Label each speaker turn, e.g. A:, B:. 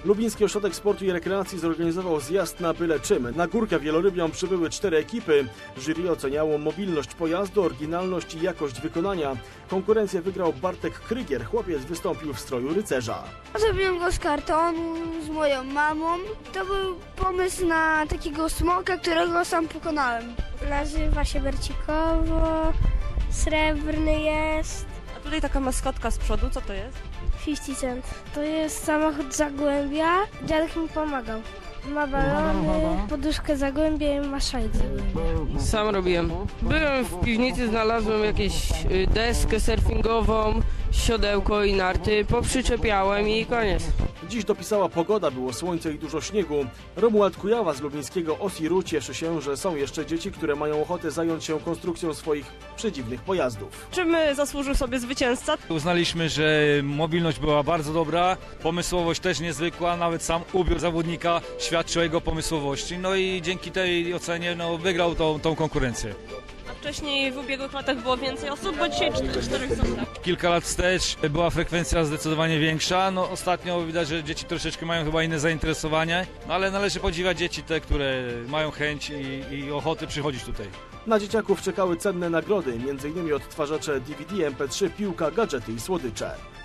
A: Lubiński Ośrodek Sportu i Rekreacji zorganizował zjazd na byle czym. Na Górkę Wielorybią przybyły 4 ekipy. Jury oceniało mobilność pojazdu, oryginalność i jakość wykonania. Konkurencję wygrał Bartek Krygier. Chłopiec wystąpił w stroju rycerza.
B: Zrobiłem go z kartonu z moją mamą. To był pomysł na takiego smoka, którego sam pokonałem. Nazywa się Bercikowo, srebrny jest.
C: A tutaj taka maskotka z przodu, co to jest?
B: 50 Cent. To jest samochód Zagłębia. Dziadek mi pomagał. Ma balony, poduszkę Zagłębia i ma szajt Zagłębia.
D: Sam robiłem. Byłem w piwnicy, znalazłem jakąś deskę surfingową, siodełko i narty, poprzyczepiałem i koniec.
A: Dziś dopisała pogoda, było słońce i dużo śniegu. Romuald Kujawa z lubińskiego Osiru cieszy się, że są jeszcze dzieci, które mają ochotę zająć się konstrukcją swoich przedziwnych pojazdów.
C: Czym zasłużył sobie zwycięzca?
E: Uznaliśmy, że mobilność była bardzo dobra, pomysłowość też niezwykła, nawet sam ubiór zawodnika świadczy o jego pomysłowości. No i dzięki tej ocenie wygrał tą konkurencję.
C: A wcześniej w ubiegłych latach było więcej osób, bo dzisiaj 4 są, tak?
E: Kilka lat wstecz była frekwencja zdecydowanie większa. No, ostatnio widać, że dzieci troszeczkę mają chyba inne zainteresowanie, ale należy podziwiać dzieci te, które mają chęć i ochoty przychodzić tutaj.
A: Na dzieciaków czekały cenne nagrody, m.in. odtwarzacze DVD, MP3, piłka, gadżety i słodycze.